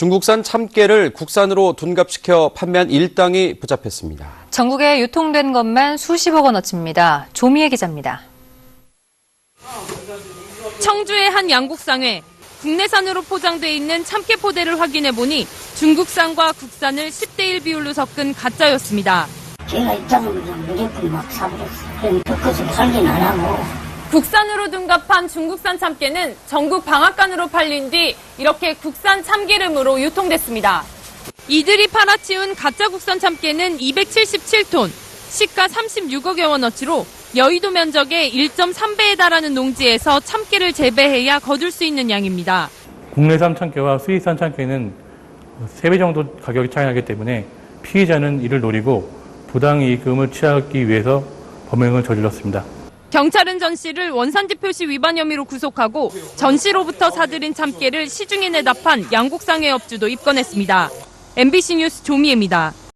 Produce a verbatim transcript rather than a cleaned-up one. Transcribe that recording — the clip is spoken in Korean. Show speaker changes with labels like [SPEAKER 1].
[SPEAKER 1] 중국산 참깨를 국산으로 둔갑시켜 판매한 일당이 붙잡혔습니다.
[SPEAKER 2] 전국에 유통된 것만 수십억 원어치입니다. 조미애 기자입니다.
[SPEAKER 3] 청주의 한 양곡상회. 국내산으로 포장돼 있는 참깨 포대를 확인해보니 중국산과 국산을 십 대 일 비율로 섞은 가짜였습니다.
[SPEAKER 4] 제가 입장을 무조건 막 사버렸어요. 그럼 그것을 팔긴 안 하고.
[SPEAKER 3] 국산으로 둔갑한 중국산 참깨는 전국 방앗간으로 팔린 뒤 이렇게 국산 참기름으로 유통됐습니다. 이들이 팔아치운 가짜 국산 참깨는 이백칠십칠 톤, 시가 삼십육억여 원어치로 여의도 면적의 일 점 삼 배에 달하는 농지에서 참깨를 재배해야 거둘 수 있는 양입니다.
[SPEAKER 5] 국내산 참깨와 수입산 참깨는 세 배 정도 가격이 차이 나기 때문에 피해자는 이를 노리고 부당이익금을 취하기 위해서 범행을 저질렀습니다.
[SPEAKER 3] 경찰은 전 씨를 원산지 표시 위반 혐의로 구속하고 전 씨로부터 사들인 참깨를 시중에 내답한 양곡상회 업주도 입건했습니다. 엠비씨 뉴스 조미애입니다.